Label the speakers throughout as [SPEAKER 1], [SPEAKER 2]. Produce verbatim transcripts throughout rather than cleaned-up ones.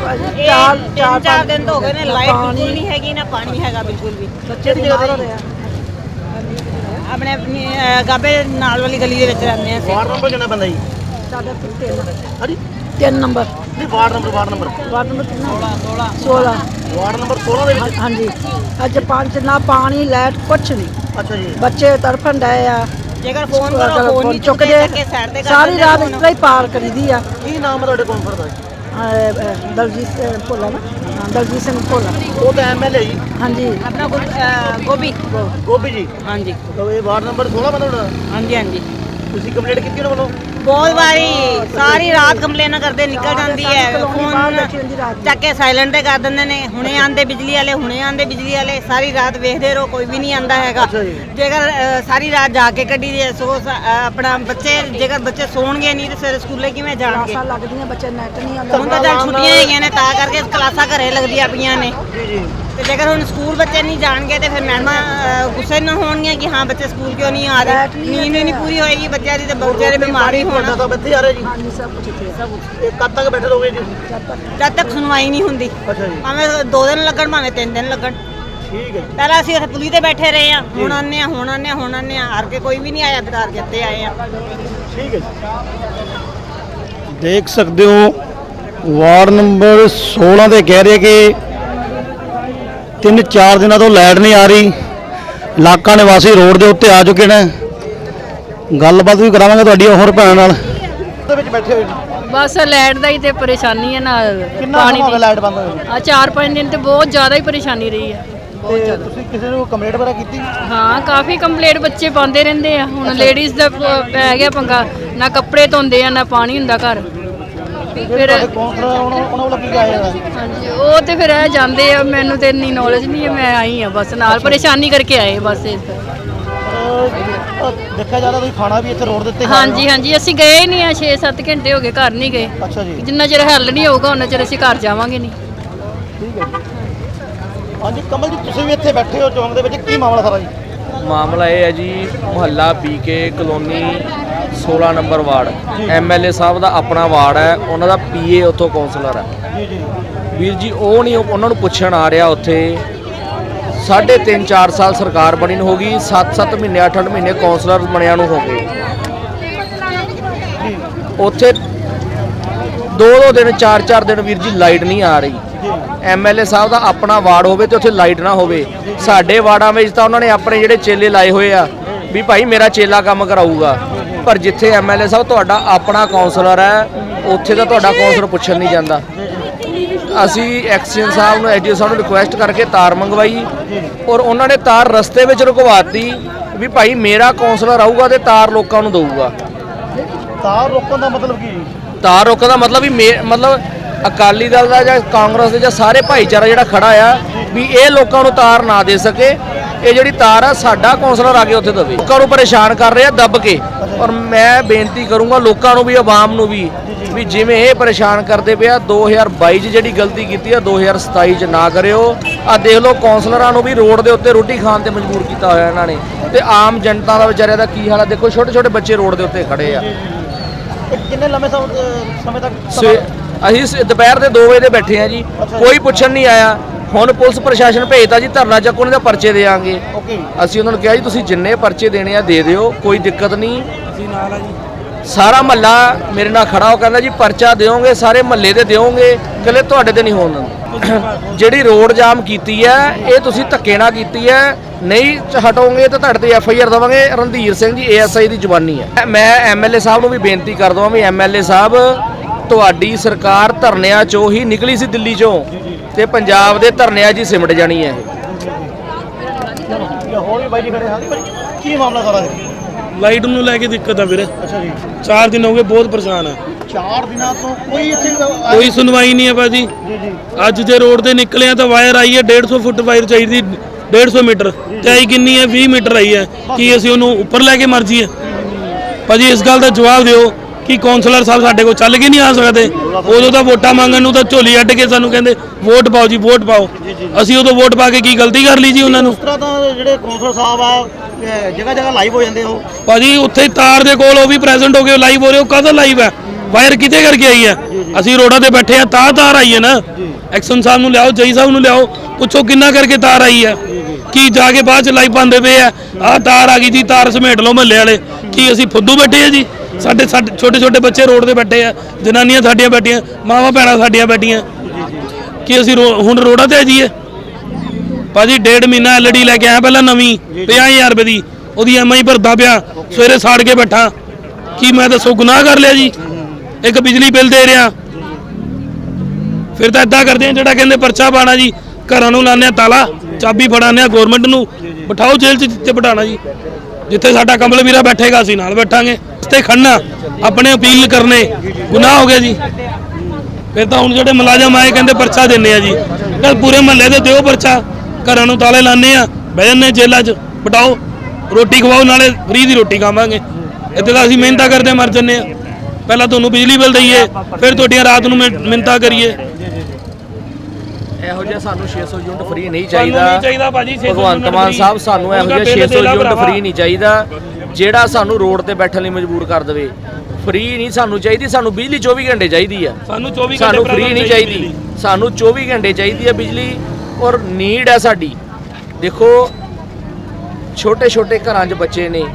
[SPEAKER 1] ਚਾਰ ਚਾਰ ਚਾਰ ਦਿਨ तो हो गए ने लाइट बिल्कुल नहीं हैगी ना पानी हैगा बिल्कुल भी। बच्चे की जगह रहे अपने अपनी गाबे नाल वाली गली दे विच रहंदे आ।
[SPEAKER 2] वार्ड नंबर कितना बंदा जी?
[SPEAKER 1] साडा तीन
[SPEAKER 2] हां जी
[SPEAKER 1] तीन नंबर
[SPEAKER 2] नहीं ward number ward number
[SPEAKER 1] ward number कितना सोलह सोलह
[SPEAKER 2] वार्ड नंबर सोलह ਦੇ ਵਿੱਚ।
[SPEAKER 1] हाँ जी अज पांच ना पानी लाइट कुछ नहीं।
[SPEAKER 2] अच्छा जी
[SPEAKER 1] बच्चे तड़फन डे आ जेकर फोन करो फोन नहीं चुकदे सारी रात इस तरह ही पार करी दी आ।
[SPEAKER 2] ਕੀ ਨਾਮ ਹੈ ਤੁਹਾਡੇ ਕੌਂਸਲਰ ਦਾ?
[SPEAKER 1] दलजीत भोला ना हाँ, दलजीत सिंह भोला।
[SPEAKER 2] ਉਹ ਤਾਂ ਐਮਐਲਏ ਜੀ।
[SPEAKER 1] हाँ जी अपना गोभी
[SPEAKER 2] ਗੋਭੀ ਜੀ।
[SPEAKER 1] हाँ जी
[SPEAKER 2] ਤਾਂ ਇਹ ਵਾਰਡ ਨੰबर सोलह ਬੰਦਾ ਤੁਹਾਡਾ?
[SPEAKER 1] हाँ जी हाँ जी
[SPEAKER 2] ਤੁਸੀਂ ਕੰਪਲੀਟ ਕੀਤੀ ਉਹਨਾਂ ਵੱਲੋਂ?
[SPEAKER 1] बहुत बारी सारी रात कंप्लेन करते निकल जाती है फोन चक के साइलेंट कर देंगे ने हुणे आंदे बिजली वाले हुणे आंदे बिजली वाले सारी रात वेखते रहो कोई भी नहीं आंदा हैगा। जेकर सारी रात जाके कड्डी दे सो अपना बच्चे जेकर बच्चे सोणगे नहीं तो सवेरे स्कूले किवें जाणगे लगदियां बच्चे नेट नहीं आंदा हुण तां चल छुट्टियां हैगियां ने तां करके क्लासां घरे लगदियां पईयां ने
[SPEAKER 2] ਜੀ ਜੀ
[SPEAKER 1] ਤੇ ਜੇਕਰ ਹੁਣ ਸਕੂਲ ਬੱਚੇ ਨਹੀਂ ਜਾਣਗੇ ਤੇ ਫਿਰ ਮੈਡਮਾਂ ਗੁੱਸੇ ਨਾ ਹੋਣਗੀਆਂ ਕਿ ਹਾਂ ਬੱਚੇ ਸਕੂਲ ਕਿਉਂ ਨਹੀਂ ਆ ਰਹੇ। ਨੀਂਦ ਨਹੀਂ ਪੂਰੀ ਹੋਏਗੀ ਬੱਚਿਆਂ ਦੀ ਤੇ ਬੱਚੇ ਦੇ ਬਿਮਾਰ ਹੀ ਹੋਣਾ।
[SPEAKER 2] ਤਾਂ ਬੱਚੇ ਆ ਰਹੇ ਜੀ?
[SPEAKER 1] ਹਾਂਜੀ ਸਭ ਕੁਝ ਇੱਥੇ ਸਭ
[SPEAKER 2] ਇਹ ਕਦ ਤੱਕ ਬੈਠੇ ਰਹੋਗੇ ਜੀ?
[SPEAKER 1] ਜਦ ਤੱਕ ਸੁਣਵਾਈ ਨਹੀਂ ਹੁੰਦੀ
[SPEAKER 2] ਅੱਛਾ ਜੀ
[SPEAKER 1] ਭਾਵੇਂ ਦੋ ਦਿਨ ਲੱਗਣ ਭਾਵੇਂ ਤਿੰਨ ਦਿਨ ਲੱਗਣ।
[SPEAKER 2] ਠੀਕ ਹੈ ਜੀ।
[SPEAKER 1] ਪਹਿਲਾਂ ਅਸੀਂ ਉੱਥੇ ਪੁਲੀ ਤੇ ਬੈਠੇ ਰਹੇ ਆ ਹੁਣ ਆਨੇ ਆ ਹੁਣ ਆਨੇ ਆ ਹੁਣ ਆਨੇ ਆ ਹਾਰ ਕੇ ਕੋਈ ਵੀ ਨਹੀਂ ਆਇਆ ਬਿਤਾਰ ਕੇ ਇੱਥੇ ਆਏ ਆ।
[SPEAKER 2] ਠੀਕ ਹੈ ਜੀ।
[SPEAKER 3] ਦੇਖ ਸਕਦੇ ਹੋ ਵਾਰਡ ਨੰਬਰ सोलह ਦੇ ਕਹਿ ਰਹੇ ਕਿ ਤਿੰਨ ਚਾਰ ਦਿਨਾਂ ਤੋਂ ਲਾਈਟ ਨਹੀਂ ਆ ਰਹੀ। ਇਲਾਕਾ ਨਿਵਾਸੀ ਰੋਡ ਦੇ ਉੱਤੇ ਆ ਚੁੱਕੇ ਨੇ। ਗੱਲਬਾਤ ਵੀ ਕਰਾਵਾਂਗੇ ਤੁਹਾਡੀ ਹੋਰ ਭੈਣ ਨਾਲ।
[SPEAKER 2] ਉਹਦੇ ਵਿੱਚ ਬੈਠੇ ਹੋਏ ਜੀ।
[SPEAKER 4] ਬਸ ਲਾਈਟ ਦਾ ਹੀ ਤੇ ਪਰੇਸ਼ਾਨੀ ਹੈ ਨਾ
[SPEAKER 2] ਕਿੰਨਾ ਸਮਾਂ ਹੋ ਗਿਆ ਲਾਈਟ ਬੰਦ ਹੋਈ?
[SPEAKER 4] ਆ ਚਾਰ ਪੰਜ ਦਿਨ ਤੇ ਬਹੁਤ ਜ਼ਿਆਦਾ ਹੀ ਪਰੇਸ਼ਾਨੀ ਰਹੀ ਹੈ।
[SPEAKER 2] ਤੇ ਤੁਸੀਂ ਕਿਸੇ ਨੂੰ ਕੰਪਲੇਂਟ ਵਗੈਰਾ ਕੀਤੀ?
[SPEAKER 4] ਹਾਂ ਕਾਫੀ ਕੰਪਲੇਂਟ ਬੱਚੇ ਪਾਉਂਦੇ ਰਹਿੰਦੇ ਆ। ਹੁਣ ਲੇਡੀਜ਼ ਦਾ ਪੈ ਗਿਆ ਪੰਗਾ ਨਾ ਕੱਪੜੇ ਧੋਂਦੇ ਆ ਨਾ ਪਾਣੀ ਹੁੰਦਾ ਘਰ। ਫਿਰ
[SPEAKER 2] ਕੌਂਸਲਰ ਉਹਨਾਂ ਉਹਨਾਂ ਵੱਲੋਂ ਕੀ ਆਇਆ?
[SPEAKER 4] ਹਾਂਜੀ ਉਹ ਤੇ ਫਿਰ ਇਹ ਜਾਂਦੇ ਆ ਮੈਨੂੰ ਤੇ ਇੰਨੀ ਨੌਲੇਜ ਨਹੀਂ ਹੈ ਮੈਂ ਆਈ ਆ ਬਸ ਨਾਲ ਪਰੇਸ਼ਾਨੀ ਕਰਕੇ ਆਏ ਬਸ ਇਸ
[SPEAKER 2] ਦੇਖਿਆ ਜਾਂਦਾ ਤੁਸੀਂ ਖਾਣਾ ਵੀ ਇੱਥੇ ਰੋਡ ਦੇ ਉੱਤੇ?
[SPEAKER 4] ਹਾਂਜੀ ਹਾਂਜੀ ਅਸੀਂ ਗਏ ਹੀ ਨਹੀਂ ਆ ਛੇ ਸੱਤ ਘੰਟੇ ਹੋ ਗਏ ਘਰ ਨਹੀਂ ਗਏ।
[SPEAKER 2] ਅੱਛਾ ਜੀ
[SPEAKER 4] ਜਿੰਨਾ ਚਿਰ ਹੱਲ ਨਹੀਂ ਹੋਊਗਾ ਉਹਨਾਂ ਚਿਰ ਅਸੀਂ ਘਰ ਜਾਵਾਂਗੇ ਨਹੀਂ।
[SPEAKER 2] ਠੀਕ ਹੈ ਜੀ। ਹਾਂਜੀ ਕਮਲ ਜੀ ਤੁਸੀਂ ਵੀ ਇੱਥੇ ਬੈਠੇ ਹੋ ਚੌਂਕ ਦੇ ਵਿੱਚ ਕੀ ਮਾਮਲਾ ਸਾਰਾ ਜੀ?
[SPEAKER 5] ਮਾਮਲਾ ਇਹ ਹੈ ਜੀ ਮੁਹੱਲਾ ਬੀਕੇ ਕਲੋਨੀ सोलह ਨੰਬਰ ਵਾਰਡ ਐਮਐਲਏ ਸਾਹਿਬ ਦਾ ਆਪਣਾ ਵਾਰਡ ਹੈ। ਉਹਨਾਂ ਦਾ ਪੀਏ ਉੱਥੋਂ ਕਾਉਂਸਲਰ ਹੈ
[SPEAKER 2] ਜੀ ਜੀ
[SPEAKER 5] ਵੀਰ ਜੀ। ਉਹ ਨਹੀਂ ਉਹਨਾਂ ਨੂੰ ਪੁੱਛਣ ਆ ਰਿਹਾ ਉੱਥੇ ਸਾਢੇ ਤਿੰਨ ਚਾਰ ਸਾਲ ਸਰਕਾਰ ਬਣੀ ਨੂੰ ਹੋ ਗਈ ਸੱਤ ਸੱਤ ਮਹੀਨੇ ਅੱਠ ਅੱਠ ਮਹੀਨੇ ਕਾਉਂਸਲਰ ਬਣਿਆ ਨੂੰ ਹੋ ਗਏ। ਉੱਥੇ ਦੋ ਦੋ ਦਿਨ ਚਾਰ ਚਾਰ ਦਿਨ ਵੀਰ ਜੀ ਲਾਈਟ ਨਹੀਂ ਆ ਰਹੀ। ਐਮਐਲਏ ਸਾਹਿਬ ਦਾ ਆਪਣਾ ਵਾਰਡ ਹੋਵੇ ਤੇ ਉੱਥੇ ਲਾਈਟ ਨਾ ਹੋਵੇ। ਸਾਡੇ ਵਾਰਡਾਂ ਵਿੱਚ ਤਾਂ ਉਹਨਾਂ ਨੇ ਆਪਣੇ ਜਿਹੜੇ ਚੇਲੇ ਲਾਏ ਹੋਏ ਆ ਵੀ ਭਾਈ ਮੇਰਾ ਚੇਲਾ ਕੰਮ ਕਰਾਊਗਾ। ਪਰ ਜਿੱਥੇ ਐਮਐਲਏ ਸਾਹਿਬ ਤੁਹਾਡਾ ਆਪਣਾ ਕਾਉਂਸਲਰ ਹੈ ਉੱਥੇ ਤਾਂ ਤੁਹਾਡਾ ਕਾਉਂਸਲਰ ਪੁੱਛਣ ਨਹੀਂ ਜਾਂਦਾ। ਅਸੀਂ ਐਕਸੀਅਨ ਸਾਹਿਬ ਨੂੰ ਐਸਡੀਓ ਸਾਹਿਬ ਨੂੰ ਰਿਕੁਐਸਟ ਕਰਕੇ ਤਾਰ ਮੰਗਵਾਈ ਔਰ ਉਹਨਾਂ ਨੇ ਤਾਰ ਰਸਤੇ ਵਿੱਚ ਰੁਕਵਾਤੀ ਵੀ ਭਾਈ ਮੇਰਾ ਕਾਉਂਸਲਰ ਆਊਗਾ ਤੇ ਤਾਰ ਲੋਕਾਂ ਨੂੰ ਦਊਗਾ।
[SPEAKER 2] ਤਾਰ ਰੋਕਣ ਦਾ ਮਤਲਬ ਕੀ?
[SPEAKER 5] ਤਾਰ ਰੋਕਣ ਦਾ ਮਤਲਬ ਵੀ ਮਤਲਬ ਅਕਾਲੀ ਦਲ ਦਾ ਜਾਂ ਕਾਂਗਰਸ ਦੇ ਜਾਂ ਸਾਰੇ ਭਾਈਚਾਰਾ ਜਿਹੜਾ ਖੜਾ ਆ ਵੀ ਇਹ ਲੋਕਾਂ ਨੂੰ ਤਾਰ ਨਾ ਦੇ ਸਕੇ। ਇਹ ਜਿਹੜੀ ਤਾਰ ਆ ਸਾਡਾ ਕਾਉਂਸਲਰ ਆ ਕੇ ਉੱਥੇ ਦਵੇ। ਲੋਕਾਂ ਨੂੰ ਪਰੇਸ਼ਾਨ ਕਰ ਰਿਹਾ ਦੱਬ ਕੇ। ਔਰ ਮੈਂ ਬੇਨਤੀ ਕਰੂੰਗਾ ਲੋਕਾਂ ਨੂੰ ਵੀ ਆਵਾਮ ਨੂੰ ਵੀ ਵੀ ਜਿਵੇਂ ਇਹ ਪਰੇਸ਼ਾਨ ਕਰਦੇ ਪਿਆ ਦੋ ਹਜ਼ਾਰ ਬਾਈ 'ਚ ਜਿਹੜੀ ਗਲਤੀ ਕੀਤੀ ਆ ਦੋ ਹਜ਼ਾਰ ਸਤਾਈ 'ਚ ਨਾ ਕਰਿਓ। ਆ ਦੇਖ ਲਓ ਕਾਉਂਸਲਰਾਂ ਨੂੰ ਵੀ ਰੋਡ ਦੇ ਉੱਤੇ ਰੋਟੀ ਖਾਣ ਤੇ ਮਜਬੂਰ ਕੀਤਾ ਹੋਇਆ ਇਹਨਾਂ ਨੇ ਤੇ ਆਮ ਜਨਤਾ ਦਾ ਵਿਚਾਰਿਆਂ ਦਾ ਕੀ ਹਾਲ ਆ ਦੇਖੋ। ਛੋਟੇ ਛੋਟੇ ਬੱਚੇ ਰੋਡ ਦੇ ਉੱਤੇ ਖੜੇ ਆ।
[SPEAKER 2] ਕਿੰਨੇ ਲੰਮੇ ਸਮੇਂ ਤੱਕ?
[SPEAKER 5] ਅਸੀਂ ਦੁਪਹਿਰ ਦੇ ਦੋ ਵਜੇ ਦੇ ਬੈਠੇ ਆ ਜੀ ਕੋਈ ਪੁੱਛਣ ਨਹੀਂ ਆਇਆ। ਹੁਣ ਪੁਲਿਸ ਪ੍ਰਸ਼ਾਸਨ ਭੇਜਤਾ ਜੀ ਧਰਨਾ ਚੱਕ ਉਹਨਾਂ ਦੇ ਪਰਚੇ ਦੇਾਂਗੇ। ਅਸੀਂ ਉਹਨਾਂ ਨੂੰ ਕਿਹਾ ਜੀ ਤੁਸੀਂ ਜਿੰਨੇ ਪਰਚੇ ਦੇਣੇ ਆ ਦੇ ਦਿਓ ਕੋਈ ਦਿੱਕਤ ਨਹੀਂ। ਅਸੀਂ ਨਾਲ ਆ ਜੀ ਸਾਰਾ ਮਹੱਲਾ ਮੇਰੇ ਨਾਲ ਖੜਾ ਹੋ ਕਹਿੰਦਾ ਜੀ ਪਰਚਾ ਦਿਓਗੇ ਸਾਰੇ ਮਹੱਲੇ ਦੇ ਦਿਓਗੇ ਇਕੱਲੇ ਤੁਹਾਡੇ ਤੇ ਨਹੀਂ ਹੋਣ ਦਿੰਦੇ। ਜਿਹੜੀ ਰੋਡ ਜਾਮ ਕੀਤੀ ਹੈ ਇਹ ਤੁਸੀਂ ਧੱਕੇ ਨਾਲ ਕੀਤੀ ਹੈ ਨਹੀਂ ਹਟੋਗੇ ਤਾਂ ਤੁਹਾਡੇ ਤੇ ਐਫ ਆਈ ਆਰ ਦੇਵਾਂਗੇ। ਰਣਧੀਰ ਸਿੰਘ ਜੀ ਏ ਐਸ ਆਈ ਦੀ ਜ਼ੁਬਾਨੀ ਹੈ। ਮੈਂ ਐਮਐਲਏ ਸਾਹਿਬ ਨੂੰ ਵੀ ਬੇਨਤੀ ਕਰ ਦਵਾਂ ਵੀ ਐਮਐਲਏ ਸਾਹਿਬ ਤੁਹਾਡੀ ਸਰਕਾਰ ਧਰਨਿਆਂ ਚੋਂ ਹੀ ਨਿਕਲੀ ਸੀ ਦਿੱਲੀ ਚੋਂ ਤੇ ਪੰਜਾਬ ਦੇ ਧਰਨਿਆਂ 'ਚ ਹੀ ਸਿਮਟ ਜਾਣੀ ਹੈ ਇਹ।
[SPEAKER 2] ਹੋਰ ਵੀ ਬਾਈ ਜੀ ਖੜੇ ਹਾਂ ਕੀ ਮਾਮਲਾ ਸਾਰਾ?
[SPEAKER 6] ਲਾਈਟ ਨੂੰ ਲੈ ਕੇ ਦਿੱਕਤ ਆ ਵੀਰੇ।
[SPEAKER 2] ਅੱਛਾ ਜੀ
[SPEAKER 6] ਚਾਰ ਦਿਨ ਹੋ ਗਏ ਬਹੁਤ ਪਰੇਸ਼ਾਨ ਆ।
[SPEAKER 2] ਚਾਰ ਦਿਨਾਂ ਤੋਂ ਕੋਈ ਇੱਥੇ
[SPEAKER 6] ਕੋਈ ਸੁਣਵਾਈ ਨਹੀਂ ਹੈ ਭਾਜੀ।
[SPEAKER 2] ਜੀ ਜੀ
[SPEAKER 6] ਅੱਜ ਜੇ ਰੋਡ ਤੇ ਨਿਕਲੇ ਆ ਤਾਂ ਵਾਇਰ ਆਈ ਹੈ ਡੇਢ ਸੌ ਫੁੱਟ ਵਾਇਰ ਚਾਹੀਦੀ ਡੇਢ ਸੌ ਮੀਟਰ ਤੇ ਆਈ ਕਿੰਨੀ ਹੈ ਵੀਹ ਮੀਟਰ ਆਈ ਹੈ। ਕੀ ਅਸੀਂ ਉਹਨੂੰ ਉੱਪਰ ਲੈ ਕੇ ਮਰ ਜੀਏ? ਭਾਜੀ ਇਸ ਗੱਲ ਦਾ ਜਵਾਬ ਦਿਓ ਕਿ ਕਾਉਂਸਲਰ ਸਾਹਿਬ ਸਾਡੇ ਕੋਲ ਚੱਲ ਕੇ ਨਹੀਂ ਆ ਸਕਦੇ। ਉਦੋਂ ਤਾਂ ਵੋਟਾਂ ਮੰਗਣ ਨੂੰ ਤਾਂ ਝੋਲੀ ਅੱਡ ਕੇ ਸਾਨੂੰ ਕਹਿੰਦੇ ਵੋਟ ਪਾਓ ਜੀ ਵੋਟ ਪਾਓ। ਅਸੀਂ ਉਦੋਂ ਵੋਟ ਪਾ ਕੇ ਕੀ ਗਲਤੀ ਕਰ ਲਈ ਜੀ ਉਹਨਾਂ ਨੂੰ?
[SPEAKER 2] ਉਸ ਤਰ੍ਹਾਂ ਤਾਂ ਜਿਹੜੇ ਕਾਉਂਸਲਰ ਸਾਹਿਬ ਆ ਜਗ੍ਹਾ ਜਗ੍ਹਾ ਲਾਈਵ ਹੋ ਜਾਂਦੇ ਉਹ
[SPEAKER 6] ਭਾਜੀ ਉੱਥੇ ਤਾਰ ਦੇ ਕੋਲ ਉਹ ਵੀ ਪ੍ਰੈਜ਼ੈਂਟ ਹੋ ਗਏ ਲਾਈਵ ਹੋ ਰਹੇ। ਉਹ ਕਾਹਦਾ ਲਾਈਵ ਹੈ? ਵਾਇਰ ਕਿਤੇ ਕਰਕੇ ਆਈ ਹੈ। ਅਸੀਂ ਰੋਡਾਂ ਤੇ ਬੈਠੇ ਆ ਤਾਂ ਤਾਰ ਆਈ ਹੈ ਨਾ। ਐਕਸ਼ਨ ਸਾਹਿਬ ਨੂੰ ਲਿਆਓ, ਜਈ ਸਾਹਿਬ ਨੂੰ ਲਿਆਓ, ਪੁੱਛੋ ਕਿੰਨਾ ਕਰਕੇ ਤਾਰ ਆਈ ਹੈ। ਕੀ ਜਾ ਕੇ ਬਾਅਦ ਚ ਲਾਈ ਪਾਉਂਦੇ ਪਏ ਆ, ਆਹ ਤਾਰ ਆ ਗਈ ਜੀ, ਤਾਰ ਸਮੇਟ ਲਓ ਮਹੱਲੇ ਵਾਲੇ। ਕੀ ਅਸੀਂ ਫੁੱਦੂ ਬੈਠੇ ਆ ਜੀ? ਸਾਡੇ ਸਾਡੇ ਛੋਟੇ ਛੋਟੇ ਬੱਚੇ ਰੋਡ ਤੇ ਬੈਠੇ ਆ, ਜਨਾਨੀਆਂ ਸਾਡੀਆਂ ਬੈਠੀਆਂ, ਮਾਵਾਂ ਭੈਣਾਂ ਸਾਡੀਆਂ ਬੈਠੀਆਂ। ਕੀ ਅਸੀਂ ਰੋ- ਹੁਣ ਰੋਡਾਂ ਤੇ ਆ ਜਾਈਏ? ਭਾਜੀ ਡੇਢ ਮਹੀਨਾ ਐਲ ਈ ਡੀ ਲੈ ਕੇ ਆਇਆ ਪਹਿਲਾਂ ਨਵੀਂ ਪੰਜਾਹ ਹਜ਼ਾਰ ਰੁਪਏ ਦੀ, ਉਹਦੀ ਐਮ ਆਈ ਭਰਦਾ ਪਿਆ, ਸਵੇਰੇ ਸਾੜ ਕੇ ਬੈਠਾ। ਕੀ ਮੈਂ ਦੱਸੋ ਗੁਨਾਹ ਕਰ ਲਿਆ ਜੀ? ਇੱਕ ਬਿਜਲੀ ਬਿੱਲ ਦੇ ਰਿਹਾ। ਫਿਰ ਤਾਂ ਇਦਾਂ ਕਰਦੇ ਆ, ਜਿਹੜਾ ਕਹਿੰਦੇ ਪਰਚਾ ਪਾਣਾ ਜੀ, ਘਰਾਂ ਨੂੰ ਲਾਉਂਦੇ ਆ ਤਾਲਾ, ਚਾਬੀ ਫੜਾਉਂਦੇ ਆ ਗੌਰਮੈਂਟ ਨੂੰ, ਬਿਠਾਓ ਜੇਲ੍ਹ 'ਚ ਜਿੱਥੇ ਬਿਠਾਣਾ ਜੀ। ਜਿੱਥੇ ਸਾਡਾ ਕਮਲ ਵੀਰਾ ਬੈਠੇਗਾ ਅਸੀਂ ਨਾਲ ਬੈਠਾਂਗੇ। ਤੇ ਖੜਨਾ, ਆਪਣੇ ਅਪੀਲ ਕਰਨੇ ਗੁਨਾਹ ਹੋ ਗਿਆ ਜੀ। ਫਿਰ ਤਾਂ ਹੁਣ ਜਿਹੜੇ ਮੁਲਾਜ਼ਮ ਆਏ ਕਹਿੰਦੇ ਪਰਚਾ ਦਿੰਦੇ ਆ ਜੀ, ਕੱਲ ਪੂਰੇ ਮਹੱਲੇ ਦੇ ਦਿਓ ਪਰਚਾ। ਘਰਾਂ ਨੂੰ ਤਾਲੇ ਲਾਉਂਦੇ ਆ, ਬਹਿ ਜਾਂਦੇ ਜੇਲ੍ਹਾਂ 'ਚ, ਬਿਠਾਓ, ਰੋਟੀ ਖਵਾਓ, ਨਾਲੇ ਫ੍ਰੀ ਦੀ ਰੋਟੀ ਖਾਵਾਂਗੇ। ਇੱਥੇ ਤਾਂ ਅਸੀਂ ਮਿਹਨਤਾਂ ਕਰਦੇ ਮਰ ਜੰਨੇ ਆ। ਪਹਿਲਾਂ ਤੁਹਾਨੂੰ ਬਿਜਲੀ ਬਿੱਲ ਦਈਏ, ਫਿਰ ਤੁਹਾਡੀਆਂ ਰਾਤ ਨੂੰ ਮਿਹ- ਮਿਹਨਤਾਂ ਕਰੀਏ।
[SPEAKER 5] ਇਹੋ ਜਿਹਾ ਸਾਨੂੰ ਛੇ ਸੌ ਯੂਨਿਟ ਫ੍ਰੀ ਨਹੀਂ
[SPEAKER 6] ਸਾਨੂੰ
[SPEAKER 5] ਚਾਹੀਦਾ।
[SPEAKER 6] ਨਹੀਂ ਚਾਹੀਦਾ ਭਾਜੀ ਛੇ ਸੌ
[SPEAKER 5] ਭਗਵੰਤ ਮਾਨ ਸਾਹਿਬ ਸਾਨੂੰ ਇਹੋ ਜਿਹਾ ਛੇ ਸੌ ਯੂਨਿਟ ਫ੍ਰੀ ਨਹੀਂ ਚਾਹੀਦਾ, ਜਿਹੜਾ ਸਾਨੂੰ ਰੋਡ ਤੇ ਬੈਠਣ ਲਈ ਮਜਬੂਰ ਕਰ ਦੇਵੇ। ਫ੍ਰੀ ਨਹੀਂ ਸਾਨੂੰ ਚਾਹੀਦੀ, ਸਾਨੂੰ ਬਿਜਲੀ ਚੌਵੀ ਘੰਟੇ ਚਾਹੀਦੀ ਆ।
[SPEAKER 6] ਸਾਨੂੰ ਚੌਵੀ ਘੰਟੇ
[SPEAKER 5] ਸਾਨੂੰ ਫ੍ਰੀ ਨਹੀਂ ਚਾਹੀਦੀ, ਸਾਨੂੰ ਚੌਵੀ ਘੰਟੇ ਚਾਹੀਦੀ ਹੈ ਬਿਜਲੀ, ਔਰ ਨੀਡ ਹੈ ਸਾਡੀ। ਦੇਖੋ ਛੋਟੇ ਛੋਟੇ ਘਰਾਂ 'ਚ ਬੱਚੇ ਨੇ,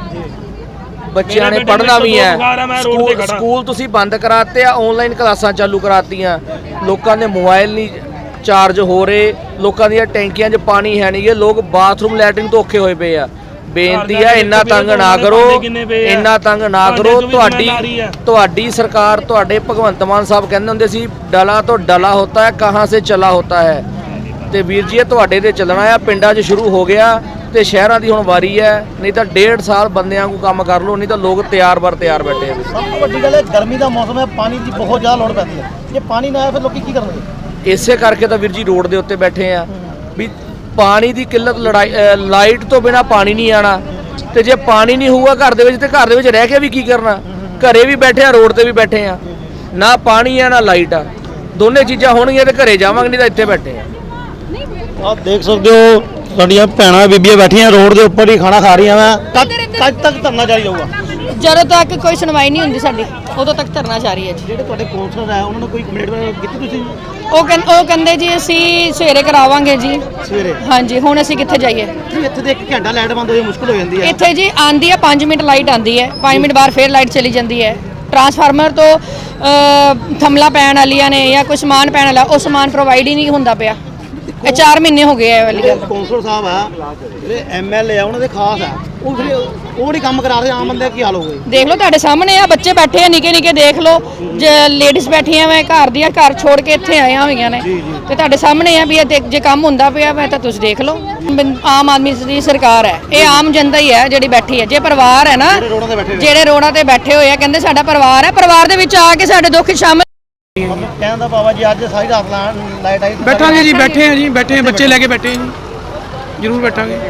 [SPEAKER 5] ਬੱਚਿਆਂ ਨੇ ਪੜ੍ਹਨਾ ਵੀ ਹੈ। ਸਕੂਲ ਸਕੂਲ ਤੁਸੀਂ ਬੰਦ ਕਰਾਤੇ ਆ, ਆਨਲਾਈਨ ਕਲਾਸਾਂ ਚਾਲੂ ਕਰਾਤੀਆਂ। ਲੋਕਾਂ ਦੇ ਮੋਬਾਈਲ ਨਹੀਂ ਚਾਰਜ ਹੋ ਰਹੇ, ਲੋਕਾਂ ਦੀਆਂ ਟੈਂਕੀਆਂ 'ਚ ਪਾਣੀ ਹੈ ਨਹੀਂ ਗੇ, ਲੋਕ ਬਾਥਰੂਮ ਲੈਟਰਿੰਗ ਤੋਂ ਔਖੇ ਹੋਏ ਪਏ ਆ। ਬੇਨਤੀ ਆ, ਇੰਨਾ ਤੰਗ ਨਾ ਕਰੋ, ਇੰਨਾ ਤੰਗ ਨਾ ਕਰੋ। ਤੁਹਾਡੀ ਤੁਹਾਡੀ ਸਰਕਾਰ, ਤੁਹਾਡੇ ਭਗਵੰਤ ਮਾਨ ਸਾਹਿਬ ਕਹਿੰਦੇ ਹੁੰਦੇ ਸੀ ਡਲਾ ਤੋਂ ਡਲਾ ਹੋਤਾ ਹੈ, ਕਹਾਂ ਸੇ ਚਲਾ ਹੋਤਾ ਹੈ। ਤੇ ਵੀਰ ਜੀ ਇਹ ਤੁਹਾਡੇ ਤੇ ਚੱਲਣਾ ਆ। ਪਿੰਡਾਂ 'ਚ ਸ਼ੁਰੂ ਹੋ ਗਿਆ ਤੇ ਸ਼ਹਿਰਾਂ ਦੀ ਹੁਣ ਵਾਰੀ ਹੈ। ਨਹੀਂ ਤਾਂ ਡੇਢ ਸਾਲ ਬੰਦਿਆਂ ਨੂੰ ਕੰਮ ਕਰ ਲਓ, ਨਹੀਂ ਤਾਂ ਲੋਕ ਤਿਆਰ ਬਰ ਤਿਆਰ ਬੈਠੇ ਆ।
[SPEAKER 2] ਸਭ ਤੋਂ ਵੱਡੀ ਗੱਲ ਹੈ ਗਰਮੀ ਦਾ ਮੌਸਮ ਹੈ, ਪਾਣੀ ਦੀ ਬਹੁਤ ਜ਼ਿਆਦਾ ਲੋੜ ਪੈਂਦੀ ਹੈ। ਜੇ ਪਾਣੀ ਨਾ ਆਇਆ ਫਿਰ ਲੋਕੀ ਕੀ ਕਰਨਗੇ?
[SPEAKER 5] ਇਸੇ ਕਰਕੇ ਤਾਂ ਵੀਰ ਜੀ ਰੋਡ ਦੇ ਉੱਤੇ ਬੈਠੇ ਆ ਵੀ ਪਾਣੀ ਦੀ ਕਿੱਲਤ, ਲੜਾਈ, ਲਾਈਟ ਤੋਂ ਬਿਨਾ ਪਾਣੀ ਨਹੀਂ ਆਣਾ। ਤੇ ਜੇ ਪਾਣੀ ਨਹੀਂ ਹੋਊਗਾ ਘਰ ਦੇ ਵਿੱਚ, ਤੇ ਘਰ ਦੇ ਵਿੱਚ ਰਹਿ ਕੇ ਵੀ ਕੀ ਕਰਨਾ? ਘਰੇ ਵੀ ਬੈਠੇ ਆ, ਰੋਡ ਤੇ ਵੀ ਬੈਠੇ ਆ, ਨਾ ਪਾਣੀ ਆ ਨਾ ਲਾਈਟ ਆ। ਦੋਨੇ ਚੀਜ਼ਾਂ ਹੋਣਗੀਆਂ ਤੇ ਘਰੇ ਜਾਵਾਂਗੇ, ਨਹੀਂ ਤਾਂ ਇੱਥੇ ਬੈਠੇ ਆ।
[SPEAKER 3] ਆਪ ਦੇਖ ਸਕਦੇ ਹੋ ਸਾਡੀਆਂ ਭੈਣਾਂ ਬੀਬੀਆਂ ਬੈਠੀਆਂ ਰੋਡ ਦੇ ਉੱਪਰ ਹੀ ਖਾਣਾ ਖਾ ਰਹੀਆਂ ਵਾ।
[SPEAKER 2] ਕਦ ਕਦ ਤੱਕ ਧਰਨਾ ਜਾਰੀ ਰਹੂਗਾ?
[SPEAKER 4] ਜਦੋਂ ਤੱਕ ਕੋਈ ਸੁਣਵਾਈ ਨਹੀਂ ਹੁੰਦੀ ਸਾਡੀ, ਉਦੋਂ ਤੱਕ ਧਰਨਾ ਜਾਰੀ ਹੈ ਜੀ।
[SPEAKER 2] ਜਿਹੜੇ ਤੁਹਾਡੇ ਕੌਂਸਲਰ ਹੈ ਉਹਨਾਂ ਨੇ ਕੋਈ ਕਮਿਟਮੈਂਟ ਕੀਤੀ ਤੁਸੀਂ
[SPEAKER 4] ਉਹ ਕਹਿੰਦੇ ਉਹ ਕਹਿੰਦੇ ਜੀ ਅਸੀਂ ਸਵੇਰੇ ਕਰਾਵਾਂਗੇ ਜੀ।
[SPEAKER 2] ਸਵੇਰੇ?
[SPEAKER 4] ਹਾਂਜੀ, ਹੁਣ ਅਸੀਂ ਕਿੱਥੇ ਜਾਈਏ?
[SPEAKER 2] ਜੀ ਇੱਥੇ ਦੇ ਇੱਕ ਘੰਟਾ ਲਾਈਟ ਬੰਦ ਹੋਈ ਮੁਸ਼ਕਲ ਹੋ ਜਾਂਦੀ ਹੈ।
[SPEAKER 4] ਇੱਥੇ ਜੀ ਆਂਦੀ ਹੈ ਪੰਜ ਮਿੰਟ ਲਾਈਟ ਆਂਦੀ ਹੈ, ਪੰਜ ਮਿੰਟ ਬਾਅਦ ਫੇਰ ਲਾਈਟ ਚਲੀ ਜਾਂਦੀ ਹੈ। ਟਰਾਂਸਫਾਰਮਰ ਤੋਂ ਅ, ਥੰਮਲਾ ਪੈਣ ਵਾਲੀਆਂ ਨੇ ਜਾਂ ਕੋਈ ਸਮਾਨ ਪੈਣ ਵਾਲਾ, ਉਹ ਸਮਾਨ ਪ੍ਰੋਵਾਈਡ ਹੀ ਨਹੀਂ ਹੁੰਦਾ ਪਿਆ। ਇਹ ਚਾਰ ਮਹੀਨੇ ਹੋ ਗਏ ਇਹ ਵਾਲੀ ਗੱਲ।
[SPEAKER 2] ਕੌਂਸਲਰ ਸਾਹਿਬ ਆ, ਜਿਹੜੇ ਐਮ ਐਲ ਏ ਆ, ਉਹਨਾਂ ਦੇ ਖਾਸ ਆ, ਉਹ ਫਿਰ ਉਹ ਨਹੀਂ ਕੰਮ ਕਰਾ ਰਹੇ, ਆਮ ਬੰਦੇ ਦਾ ਕੀ ਹਾਲ ਹੋਊਗਾ?
[SPEAKER 4] ਦੇਖ ਲਓ ਤੁਹਾਡੇ ਸਾਹਮਣੇ ਆ, ਬੱਚੇ ਬੈਠੇ ਆ ਨਿੱਕੇ ਨਿੱਕੇ, ਦੇਖ ਲਓ ਲੇਡੀਜ਼ ਬੈਠੀਆਂ ਵਾ ਘਰ ਦੀਆਂ, ਘਰ ਛੋੜ ਕੇ ਇੱਥੇ ਆਈਆਂ ਹੋਈਆਂ ਨੇ। ਤੇ ਤੁਹਾਡੇ ਸਾਹਮਣੇ ਆ ਵੀ ਇਹ ਦੇਖ, ਜੇ ਕੰਮ ਹੁੰਦਾ ਪਿਆ ਵਾ ਤਾਂ ਤੁਸੀਂ ਦੇਖ ਲਓ। ਆਮ ਆਦਮੀ ਦੀ ਸਰਕਾਰ ਹੈ, ਇਹ ਆਮ ਜਨਤਾ ਹੀ ਹੈ ਜਿਹੜੀ ਬੈਠੀ ਹੈ। ਜੇ ਪਰਿਵਾਰ ਹੈ ਨਾ, ਜਿਹੜੇ ਰੋਡਾਂ ਤੇ ਬੈਠੇ ਹੋਏ ਆ, ਕਹਿੰਦੇ ਸਾਡਾ ਪਰਿਵਾਰ ਹੈ, ਪਰਿਵਾਰ ਦੇ ਵਿੱਚ ਆ ਕੇ ਸਾਡੇ ਦੁੱਖ ਸ਼ਾਮਿਲ।
[SPEAKER 2] ਕਹਿੰਦਾ ਬਾਬਾ ਜੀ ਅੱਜ ਸਾਰੀ ਰਾਤ ਲਾਈਟ ਆਈ।
[SPEAKER 7] ਬੈਠਾਂਗੇ ਜੀ, ਬੈਠੇ ਆ ਜੀ, ਬੈਠੇ ਆ, ਬੱਚੇ ਲੈ ਕੇ ਬੈਠੇ ਆ ਜੀ, ਜ਼ਰੂਰ ਬੈਠਾਂਗੇ।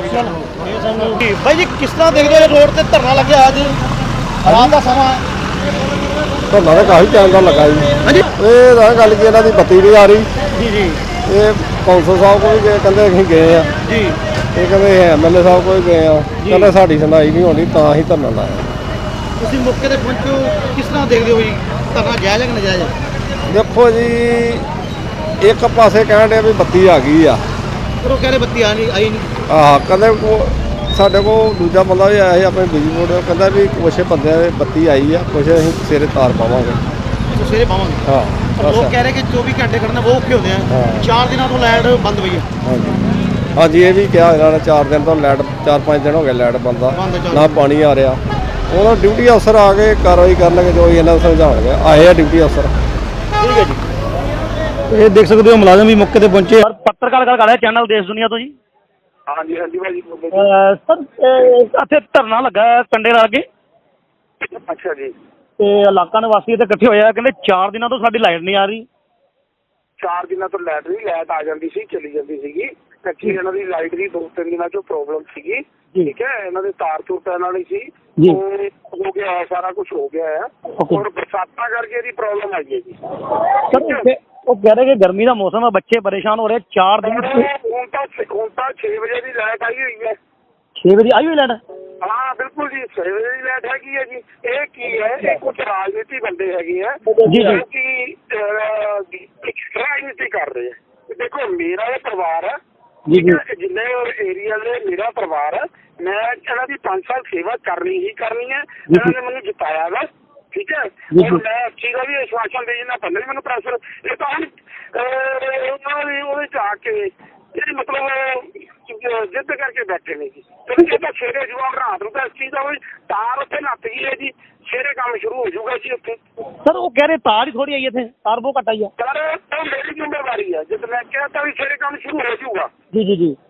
[SPEAKER 2] ਭਾਈ ਜੀ ਕਿਸ ਤਰ੍ਹਾਂ ਦੇਖਦੇ ਹੋ ਰੋਡ ਤੇ ਧਰਨਾ ਲੱਗਿਆ ਅੱਜ ਰਾਤ ਦਾ ਸਮਾਂ?
[SPEAKER 3] ਧਰਨਾ ਤਾਂ ਕਾਫੀ ਟਾਈਮ ਦਾ ਲੱਗਾ ਜੀ।
[SPEAKER 2] ਹਾਂਜੀ
[SPEAKER 3] ਇਹ ਤਾਂ ਗੱਲ ਕਿ ਇਹਨਾਂ ਦੀ ਬੱਤੀ ਨਹੀਂ ਆ ਰਹੀ।
[SPEAKER 2] ਜੀ ਜੀ
[SPEAKER 3] ਇਹ ਕੌਂਸਲ ਸਾਹਿਬ ਕੋਲ ਵੀ ਗਏ, ਕਹਿੰਦੇ ਅਸੀਂ ਗਏ ਆ।
[SPEAKER 2] ਜੀ
[SPEAKER 3] ਇਹ ਕਹਿੰਦੇ ਐਮ ਐਲ ਏ ਸਾਹਿਬ ਕੋਲ ਗਏ ਆ, ਕਹਿੰਦੇ ਸਾਡੀ ਸੁਣਾਈ ਨਹੀਂ ਹੋਣੀ, ਤਾਂ ਅਸੀਂ ਧਰਨਾ ਲਾਇਆ।
[SPEAKER 2] ਤੁਸੀਂ ਮੌਕੇ ਤੇ ਪਹੁੰਚੋ, ਕਿਸ ਤਰ੍ਹਾਂ ਦੇਖਦੇ ਹੋ ਜੀ ਧਰਨਾ ਜਾਇਜ਼ ਹੈ ਕਿ ਨਾਜਾਇਜ਼ ਹੈ?
[SPEAKER 3] ਦੇਖੋ ਜੀ, ਇੱਕ ਪਾਸੇ ਕਹਿਣ ਦੇ ਵੀ ਬੱਤੀ ਆ ਗਈ ਆ,
[SPEAKER 2] ਪਰ ਉਹ ਕਹਿੰਦੇ ਬੱਤੀ ਆ ਨਹੀਂ ਆਈ ਨਹੀਂ।
[SPEAKER 3] ਆਹ ਕਹਿੰਦੇ ਕੋ ਸਾਡੇ ਕੋਲ ਦੂਜਾ ਬੰਦਾ ਵੀ ਆਇਆ ਸੀ ਆਪਣੇ ਬਿਜਲੀ ਬੋਰਡ, ਉਹ ਕਹਿੰਦਾ ਵੀ ਕੁਛ ਬੰਦਿਆਂ ਦੇ ਬੱਤੀ ਆਈ ਆ, ਕੁਛ ਅਸੀਂ ਸਵੇਰੇ ਤਾਰ ਪਾਵਾਂਗੇ।
[SPEAKER 2] ਉਹ ਸਵੇਰੇ ਪਾਵਾਂਗੇ।
[SPEAKER 3] ਹਾਂ
[SPEAKER 2] ਪਰ ਲੋਕ ਕਹਿ ਰਹੇ ਕਿ ਚੌਵੀ ਘੰਟੇ ਕੱਢਣਾ ਬਹੁਤ ਔਖੇ ਹੁੰਦੇ ਆ।
[SPEAKER 3] ਹਾਂ।
[SPEAKER 2] ਚਾਰ ਦਿਨਾਂ ਤੋਂ ਲਾਈਟ ਬੰਦ ਹੋਈ ਹੈ।
[SPEAKER 3] ਹਾਂਜੀ ਹਾਂਜੀ, ਇਹ ਵੀ ਕਿਹਾ ਇਹਨਾਂ ਨੇ ਚਾਰ ਦਿਨ ਤੋਂ ਲਾਈਟ, ਚਾਰ ਪੰਜ ਦਿਨ ਹੋ ਗਏ ਲਾਈਟ ਬੰਦ ਆ,
[SPEAKER 2] ਬੰਦ ਚੱਲ
[SPEAKER 3] ਨਾ ਪਾਣੀ ਆ ਰਿਹਾ। ਉਹਨਾਂ ਡਿਊਟੀ ਅਫਸਰ ਆ ਕੇ ਕਾਰਵਾਈ ਕਰਨਗੇ, ਜੋ ਇਹਨਾਂ ਨੂੰ ਸਮਝਾਉਣਗੇ। ਆਏ ਆ ਡਿਊਟੀ ਅਫਸਰ।
[SPEAKER 2] ਠੀਕ ਹੈ ਜੀ।
[SPEAKER 3] ਇਹ ਦੇਖ ਸਕਦੇ ਹੋ ਮੁਲਾਜ਼ਮ ਵੀ ਮੌਕੇ ਤੇ ਪਹੁੰਚੇ।
[SPEAKER 2] ਪੱਤਰਕਾਰ ਗੱਲ ਕਰ ਰਿਹਾ ਚੈਨਲ ਦੇਸ਼ ਦੁਨੀਆ ਤੋਂ ਜੀ।
[SPEAKER 8] ਹਾਂਜੀ ਹਾਂਜੀ ਭਾਜੀ।
[SPEAKER 2] ਸਰ ਇੱਥੇ ਧਰਨਾ ਲੱਗਾ ਕੰਡੇ ਲਾ ਕੇ,
[SPEAKER 8] ਅੱਛਾ ਜੀ।
[SPEAKER 2] ਤੇ ਇਲਾਕਾ ਨਿਵਾਸੀ ਇੱਥੇ ਇਕੱਠੇ ਹੋਏ ਆ, ਕਹਿੰਦੇ ਚਾਰ ਦਿਨਾਂ ਤੋਂ ਸਾਡੀ ਲਾਈਟ ਨਹੀਂ ਆ ਰਹੀ।
[SPEAKER 8] ਚਾਰ ਦਿਨਾਂ ਤੋਂ ਲਾਈਟ ਨਹੀਂ, ਲਾਈਟ ਆ ਜਾਂਦੀ ਸੀ, ਚਲੀ ਜਾਂਦੀ ਸੀਗੀ। ਐਕਚੁਅਲੀ ਇਹਨਾਂ ਦੀ ਲਾਈਟ ਦੀ ਦੋ ਤਿੰਨ ਦਿਨਾਂ ਚੋਂ ਪ੍ਰੋਬਲਮ ਸੀਗੀ। ਠੀਕ ਹੈ, ਇਹਨਾਂ ਦੇ ਤਾਰ ਤੂਰ ਪੈਣ ਵਾਲੀ ਸੀ, ਉਹ ਹੋ ਗਿਆ ਹੈ, ਸਾਰਾ ਕੁਝ ਹੋ ਗਿਆ ਹੈ। ਔਰ ਬਰਸਾਤਾਂ ਕਰਕੇ ਇਹਦੀ ਪ੍ਰੋਬਲਮ ਆਈ ਹੈ ਜੀ।
[SPEAKER 2] ਸਰ ਉਹ ਕਹਿ ਰਹੇ ਕਿ ਗਰਮੀ ਦਾ ਮੌਸਮ ਹੈ, ਬੱਚੇ ਪਰੇਸ਼ਾਨ ਹੋ ਰਹੇ। ਚਾਰ ਦਿਨ
[SPEAKER 8] ਹੁਣ ਤਾਂ ਹੁਣ ਤਾਂ ਛੇ ਵਜੇ ਦੀ ਲਾਈਟ ਆਈ ਹੋਈ ਹੈ।
[SPEAKER 2] ਛੇ ਵਜੇ ਆਈ ਹੋਈ ਲਾਈਟ?
[SPEAKER 8] ਹਾਂ ਬਿਲਕੁਲ ਜੀ, ਸਵੇਰੇ ਦੀ ਲਾਈਟ ਹੈਗੀ ਹੈ ਜੀ। ਇਹ ਕੀ ਹੈ, ਇਹ ਕੁਝ ਰਾਜਨੀਤੀ ਬੰਦੇ ਹੈਗੇ ਆ
[SPEAKER 3] ਜੀ, ਜੀ।
[SPEAKER 8] ਕਿ ਅਹ, ਰਾਜਨੀਤੀ ਕਰ ਰਹੇ ਆ। ਦੇਖੋ ਮੇਰਾ ਇਹ ਪਰਿਵਾਰ ਹੈ,
[SPEAKER 3] ਜੀ, ਜੀ।
[SPEAKER 8] ਠੀਕ ਹੈ, ਜਿੰਨੇ ਏਰੀਆ ਦੇ ਮੇਰਾ ਪਰਿਵਾਰ ਹੈ, ਮੈਂ ਇਹਨਾਂ ਦੀ ਪੰਜ ਸਾਲ ਸੇਵਾ ਕਰਨੀ ਹੀ ਕਰਨੀ ਹੈ। ਇਹਨਾਂ ਨੇ ਮੈਨੂੰ ਜਿਤਾਇਆ ਵਾ, ਠੀਕ ਹੈ। ਹੁਣ ਮੈਂ ਇਸ ਚੀਜ਼ ਦਾ ਵੀ ਆਸ਼ਵਾਸਨ ਦੇ ਜਿੰਨਾ ਬੰਦੇ ਮੈਨੂੰ ਪ੍ਰੈਸ਼ਰ, ਇਹ ਤਾਂ ਹੁਣ ਅਹ, ਉਹਨਾਂ ਦੀ ਉਹਦੇ ਚ ਆ ਕੇ ਇਹ ਮਤਲਬ ਜਿੱਦ ਕਰਕੇ ਬੈਠੇ ਨੇ ਜੀ। ਤੇ ਜੇ ਤਾਂ ਸਵੇਰੇ ਜਵਾਬ ਰਾਤ ਨੂੰ ਤਾਂ ਇਸ ਚੀਜ਼ ਦਾ ਕੋਈ ਤਾਰ ਉੱਥੇ ਨੱਤ ਗਈ ਹੈ ਜੀ, ਸਵੇਰੇ ਕੰਮ ਸ਼ੁਰੂ ਹੋ ਜਾਊਗਾ ਜੀ ਉੱਥੇ।
[SPEAKER 3] ਸਰ ਉਹ ਕਹਿ ਰਹੇ ਤਾਰ ਹੀ ਥੋੜੀ ਆਈ ਇੱਥੇ, ਤਾਰ ਬਹੁਤ ਘੱਟ ਆਈ ਆ।
[SPEAKER 8] ਸਰ ਉਹ ਮੇਰੀ ਜ਼ਿੰਮੇਵਾਰੀ ਹੈ, ਜਦ ਮੈਂ ਕਿਹਾ ਤਾਂ ਵੀ ਸਵੇਰੇ ਕੰਮ ਸ਼ੁਰੂ ਹੋ ਜਾਊਗਾ।
[SPEAKER 3] ਜੀ ਜੀ ਜੀ।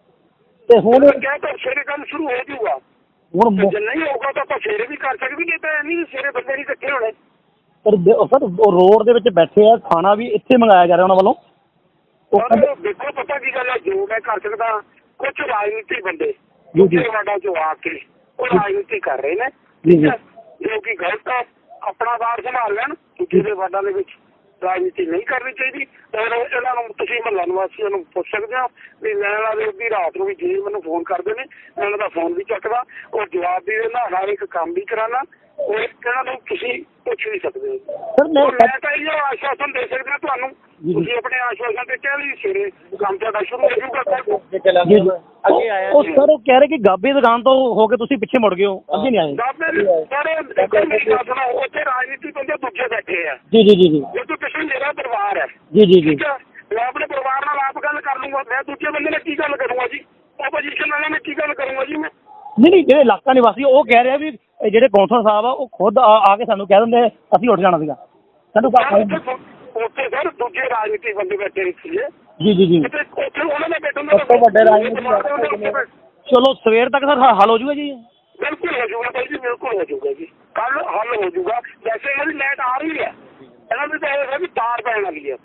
[SPEAKER 3] ਤੇ ਹੁਣ
[SPEAKER 8] ਮੈਂ ਕਿਹਾ ਤਾਂ ਸਵੇਰੇ ਕੰਮ ਸ਼ੁਰੂ ਹੋ ਜਾਊਗਾ।
[SPEAKER 3] ਹੁਣ
[SPEAKER 8] ਤੇ ਜੇ ਨਹੀਂ ਹੋਊਗਾ ਤਾਂ ਆਪਾਂ ਸਵੇਰੇ ਵੀ ਕਰ ਸਕਦੇ, ਨਹੀਂ ਤਾਂ ਨਹੀਂ ਸਵੇਰੇ ਬੰਦੇ ਨਹੀਂ ਇਕੱਠੇ ਹੋਣੇ।
[SPEAKER 3] ਪਰ ਦ- ਸਰ ਉਹ ਰੋਡ ਦੇ ਵਿੱਚ ਬੈਠੇ ਆ, ਖਾਣਾ ਵੀ ਇੱਥੇ ਮੰਗਾਇਆ ਜਾ ਰਿਹਾ ਉਹਨਾਂ ਵੱਲੋਂ। ਉਹ
[SPEAKER 8] ਪਰ ਦੇਖੋ ਪਤਾ ਕੀ ਗੱਲ ਹੈ, ਜੋ ਮੈਂ ਕਰ ਸਕਦਾ, ਕੁਝ ਰਾਜਨੀਤੀ ਬੰਦੇ
[SPEAKER 3] ਜੀ, ਜੀ।
[SPEAKER 8] ਦੂਜੇ ਵਾਰਡਾਂ ਚੋਂ ਆ ਕੇ ਉਹ ਰਾਜਨੀਤੀ ਕਰ ਰਹੇ ਨੇ,
[SPEAKER 3] ਜੀ, ਜੀ।
[SPEAKER 8] ਠੀਕ ਹੈ, ਜੋ ਕਿ ਗਲਤ ਹੈ। ਆਪਣਾ ਵਾਰ ਸੰਭਾਲ ਲੈਣ, ਦੂਜੇ ਦੇ ਵਾਰਡਾਂ ਦੇ ਵਿੱਚ ਰਾਜਨੀਤੀ ਨਹੀਂ ਕਰਨੀ ਚਾਹੀਦੀ। ਔਰ ਇਹਨਾਂ ਨੂੰ ਤੁਸੀਂ ਮਹੱਲਾ ਨਿਵਾਸੀਆਂ ਨੂੰ ਪੁੱਛ ਸਕਦੇ ਹੋ ਵੀ ਮੈਂ ਇਹਨਾਂ ਦੇ ਅੱਧੀ ਰਾਤ ਨੂੰ ਵੀ ਜੇ ਮੈਨੂੰ ਫੋਨ ਕਰਦੇ ਨੇ, ਮੈਂ ਉਹਨਾਂ ਦਾ ਫੋਨ ਵੀ ਚੱਕਦਾ ਔਰ ਜਵਾਬ ਵੀ ਦਿੰਦਾ, ਹਰ ਇੱਕ ਕੰਮ ਵੀ ਕਰਾਉਣਾ। ਔਰ ਇਹਨਾਂ ਨੂੰ ਤੁਸੀਂ ਪੁੱਛ ਵੀ ਸਕਦੇ ਹੋ।
[SPEAKER 3] ਸਰ ਮੈਂ
[SPEAKER 8] ਔਰ ਮੈਂ ਤਾਂ ਇਹ ਆਸ਼ਵਾਸਨ ਦੇ ਸਕਦਾ ਤੁਹਾਨੂੰ, ਤੁਸੀਂ ਆਪਣੇ ਆਸ਼ਵਾਸਨ ਤੇ ਕਹਿ ਲਈ ਸਵੇਰੇ ਕੰਮ ਤੁਹਾਡਾ ਸ਼ੁਰੂ ਹੋ ਜਾਊਗਾ।
[SPEAKER 3] ਜੀ, ਜੀ। ਉਹ ਉਹ ਸਰ ਉਹ ਕਹਿ ਰਹੇ ਕਿ ਗਾਬੇ ਦੁਕਾਨ ਤੋਂ ਹੋ ਕੇ ਤੁਸੀਂ ਪਿੱਛੇ ਮੁੜ ਗਏ ਹੋ, ਅੱਗੇ ਨਹੀਂ ਆਏ।
[SPEAKER 8] ਸਰ ਦੇਖੋ ਮੇਰੀ ਗੱਲ ਸੁਣੋ, ਉੱਥੇ ਰਾਜਨੀਤੀ ਬੰਦੇ ਦੂਜੇ ਬੈਠੇ ਆ।
[SPEAKER 3] ਜੀ ਜੀ ਜੀ ਜੀ
[SPEAKER 8] ਜੇ ਤੂੰ ਪਿੱਛੇ ਮੇਰਾ ਪਰਿਵਾਰ ਹੈ,
[SPEAKER 3] ਜੀ ਜੀ ਜੀ।
[SPEAKER 8] ਠੀਕ ਹੈ, ਮੈਂ ਆਪਣੇ ਪਰਿਵਾਰ ਨਾਲ ਆਪ ਗੱਲ ਕਰ ਲੂੰਗਾ। ਮੈਂ ਦੂਜੇ ਬੰਦੇ ਨਾਲ ਕੀ ਗੱਲ ਕਰੂੰਗਾ ਜੀ, ਆਪੋਜੀਸ਼ਨ ਵਾਲਿਆਂ ਨਾਲ ਕੀ ਗੱਲ ਕਰੂੰਗਾ ਜੀ ਮੈਂ।
[SPEAKER 3] ਨਹੀਂ ਨਹੀਂ, ਜਿਹੜੇ ਇਲਾਕਾ ਨਿਵਾਸੀ ਉਹ ਕਹਿ ਰਹੇ ਆ ਵੀ ਇਹ ਜਿਹੜੇ ਕੌਂਸਲਰ ਸਾਹਿਬ ਆ ਉਹ ਖੁਦ ਆ ਆ ਕੇ ਸਾਨੂੰ ਕਹਿ ਦਿੰਦੇ ਅਸੀਂ ਉੱਠ ਜਾਣਾ ਸੀਗਾ ਸਾਨੂੰ।
[SPEAKER 8] ਉੱਥੇ ਉੱਥੇ ਸਰ ਦੂਜੇ ਰਾਜਨੀਤੀ ਬੰਦੇ ਬੈਠੇ ਸੀਗੇ।
[SPEAKER 3] ਜੀ ਜੀ ਜੀ।
[SPEAKER 8] ਉੱਥੇ ਉੱਥੇ ਉਹਨਾਂ ਦਾ ਬੈਠਣ ਦਾ
[SPEAKER 3] ਵੱਡੇ ਰਾਜਨੀਤੀ। ਚਲੋ ਸਵੇਰ ਤੱਕ ਸਰ ਹੱਲ ਹੋ ਜਾਊਗਾ ਜੀ।
[SPEAKER 8] ਬਿਲਕੁਲ ਹੋ ਜਾਊਗਾ ਭਾਈ ਜੀ, ਬਿਲਕੁਲ ਹੋ ਜਾਊਗਾ ਜੀ, ਕੱਲ ਹੱਲ ਹੋ ਜਾਊਗਾ। ਵੈਸੇ ਇਹਨਾਂ ਦੀ ਲਾਈਟ ਆ ਰਹੀ ਹੈ, ਇਹਨਾਂ ਦੀ ਤਾਂ ਇਹ ਹੈ ਵੀ ਤਾਰ ਪੈਣ ਵਾਲੀ ਹੈ।